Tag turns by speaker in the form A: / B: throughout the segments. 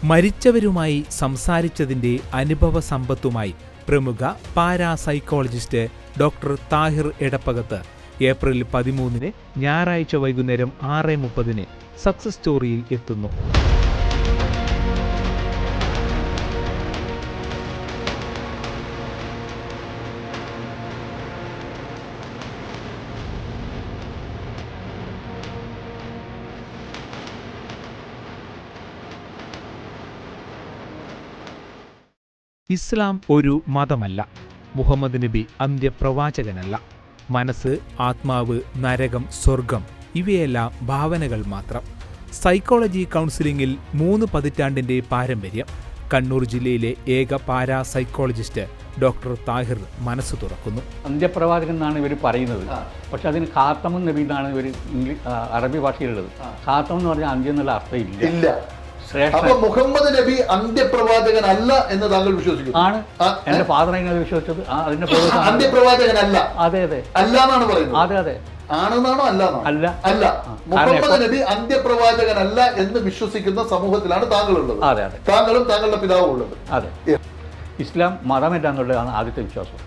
A: മരിച്ചവരുമായി സംസാരിച്ചതിൻ്റെ അനുഭവ സമ്പത്തുമായി പ്രമുഖ parapsychologist doctor Tahir Edappakath April 13 ഞായറാഴ്ച വൈകുന്നേരം 6:30 സക്സസ് സ്റ്റോറിയിൽ എത്തുന്നു. ഇസ്ലാം ഒരു മതമല്ല. മുഹമ്മദ് നബി അന്ത്യപ്രവാചകനല്ല. മനസ്സ്, ആത്മാവ്, നരകം, സ്വർഗം ഇവയെല്ലാം ഭാവനകൾ മാത്രം. സൈക്കോളജി കൗൺസിലിംഗിൽ 3 പതിറ്റാണ്ടിൻ്റെ പാരമ്പര്യം. കണ്ണൂർ ജില്ലയിലെ ഏക പാരാസൈക്കോളജിസ്റ്റ് ഡോക്ടർ താഹിർ മനസ്സ് തുറക്കുന്നു.
B: അന്ത്യപ്രവാചകൻ എന്നാണ് ഇവർ പറയുന്നത്. പക്ഷെ അതിന് ഖാത്തമുൻ നബി എന്നാണ് ഇവർ അറബി ഭാഷയിലുള്ളത്. ഖാത്തം എന്ന് പറഞ്ഞാൽ അന്ത്യം എന്നുള്ള അർത്ഥമില്ല.
C: അപ്പൊ മുഹമ്മദ് നബി അന്ത്യപ്രവാചകനല്ല എന്ന് താങ്കൾ വിശ്വസിക്കുന്നു?
B: ആണ്. എന്റെ ഫാദർ അതിനെ വിശ്വസിച്ചത്. അതിന്റെ
C: അന്ത്യപ്രവാചകനല്ല.
B: അതെ അതെ
C: അല്ല എന്നാണ് പറയുന്നത്.
B: അതെ അതെ
C: ആണെന്നാണോ? അല്ല. അല്ല. മുഹമ്മദ് നബി അന്ത്യപ്രവാചകനല്ല എന്ന് വിശ്വസിക്കുന്ന സമൂഹത്തിലാണ് താങ്കളുള്ളത്.
B: അതെ അതെ.
C: താങ്കളും താങ്കളുടെ പിതാവും ഉള്ളത്.
B: അതെ. ഇസ്ലാം മതമല്ല എന്നുള്ളതാണ് ആദ്യത്തെ വിശ്വാസം.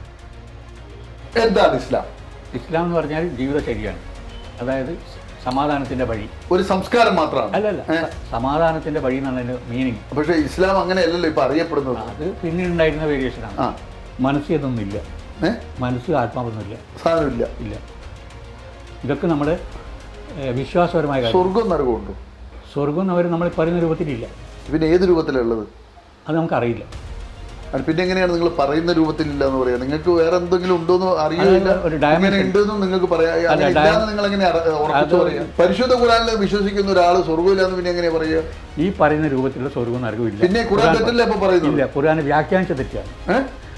C: എന്താണ് ഇസ്ലാം?
B: ഇസ്ലാം എന്ന് പറഞ്ഞാൽ ജീവിതചര്യയാണ്. അതായത് സമാധാനത്തിന്റെ വഴി.
C: ഒരു സംസ്കാരം മാത്രമാണ്.
B: അല്ലല്ല, സമാധാനത്തിന്റെ വഴി എന്നാണ് അതിന്റെ മീനിങ്.
C: പക്ഷേ ഇസ്ലാം അങ്ങനെയല്ലല്ലോ ഇപ്പൊ അറിയപ്പെടുന്നത്.
B: അത് പിന്നീട് ഉണ്ടായിരുന്ന വേരിയേഷനാണ്. മനസ്സ് ഇതൊന്നുമില്ല. മനസ്സ് ആത്മാവൊന്നുമില്ല.
C: സാധനമില്ല.
B: ഇല്ല. ഇതൊക്കെ നമ്മുടെ വിശ്വാസപരമായ കാര്യം.
C: സ്വർഗം നരകമുണ്ടോ?
B: സ്വർഗം അവർ നമ്മൾ പറയുന്ന രൂപത്തിലില്ല. പിന്നെ
C: ഏത് രൂപത്തിലുള്ളത്
B: അത് നമുക്കറിയില്ല.
C: പിന്നെ എങ്ങനെയാണ് നിങ്ങൾ പറയുന്ന രൂപത്തിലില്ല എന്ന് പറയാ? നിങ്ങൾക്ക് വേറെ എന്തെങ്കിലും ഉണ്ടോന്ന് അറിയില്ല. നിങ്ങൾക്ക് പറയാം. നിങ്ങൾ എങ്ങനെ ഉറപ്പിച്ചു പറയാം? പരിശുദ്ധ ഖുർആനിൽ വിശ്വസിക്കുന്ന ഒരാൾ സ്വർഗ്ഗമില്ലാന്ന് പിന്നെ എങ്ങനെയാ പറയുക?
B: ഈ പറയുന്ന രൂപത്തിലുള്ള സ്വർഗ്ഗവും നരകവും
C: പിന്നെ ഖുർആൻ തെറ്റല്ലേ ഇപ്പൊ പറയുന്നില്ല?
B: ഖുർആൻ വ്യാഖ്യാനിച്ച തെറ്റാണ്.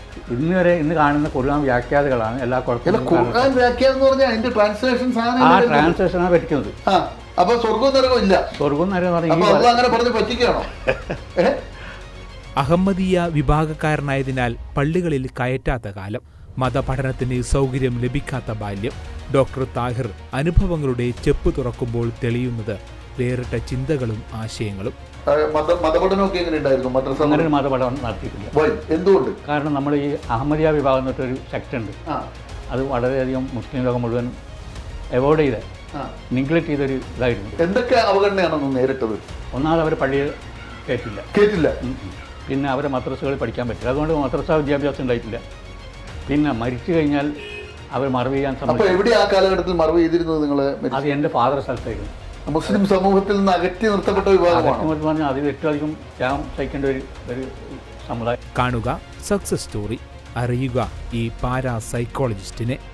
B: ഇന്ന് കാണുന്ന ഖുർആൻ വ്യാഖ്യാതകളാണ് എല്ലാ കുഴപ്പമില്ല.
C: ഖുർആൻ വ്യാഖ്യാനം എന്ന് പറഞ്ഞാൽ അതിന്റെ
B: ട്രാൻസ്ലേഷനാണ് പറ്റിക്കുന്നത്.
C: അപ്പൊ സ്വർഗ്ഗവും നരകവും ഇല്ല.
B: സ്വർഗ്ഗവും നരകം
C: അങ്ങനെ പറഞ്ഞ് പറ്റിക്കുകയാണോ?
A: അഹമ്മദീയ വിഭാഗക്കാരനായതിനാൽ പള്ളികളിൽ കയറ്റാത്ത കാലം, മതപഠനത്തിന് സൗകര്യം ലഭിക്കാത്ത ബാല്യം. ഡോക്ടർ താഹിർ അനുഭവങ്ങളുടെ ചെപ്പ് തുറക്കുമ്പോൾ തെളിയുന്നത് വേറിട്ട ചിന്തകളും ആശയങ്ങളും.
C: മതപഠനമൊക്കെ എങ്ങനെയുണ്ടായിരുന്നു?
B: മതപഠനം നടത്തിയിട്ടില്ല.
C: എന്തുകൊണ്ട്?
B: കാരണം നമ്മൾ ഈ അഹമ്മദിയ വിഭാഗം എന്നിട്ടൊരു സെക്ട് ഉണ്ട്. അത് വളരെയധികം മുസ്ലിം ലോകം മുഴുവൻ അവോയ്ഡ് ചെയ്ത, നിഗ്ലക്ട് ചെയ്തൊരു ഇതായിരുന്നു.
C: എന്തൊക്കെ അവഗണനയാണെന്ന് നേരിട്ടത്?
B: ഒന്നാമത് അവർ പള്ളിയിൽ കേട്ടില്ല. പിന്നെ അവരെ മദ്രസകളിൽ പഠിക്കാൻ പറ്റില്ല. അതുകൊണ്ട് മദ്രസ വിദ്യാഭ്യാസം ഉണ്ടായിട്ടില്ല. പിന്നെ മരിച്ചു കഴിഞ്ഞാൽ അവർ മറവ് ചെയ്യാൻ
C: ശ്രമിച്ചു. എവിടെ ആ കാലഘട്ടത്തിൽ മറവ് ചെയ്തിരുന്നത് നിങ്ങൾ?
B: അത് എൻ്റെ ഫാദർ സ്ഥലത്തായിരുന്നു.
C: മുസ്ലിം സമൂഹത്തിൽ നിന്ന് അകറ്റി നിർത്തപ്പെട്ട വിഭാഗമാണ്
B: പറഞ്ഞാൽ അത് ഏറ്റവും അധികം ത്യാഗം സഹിക്കേണ്ട ഒരു സമുദായം.
A: കാണുക സക്സസ് സ്റ്റോറി. അറിയുക ഈ പാരാസൈക്കോളജിസ്റ്റിനെ.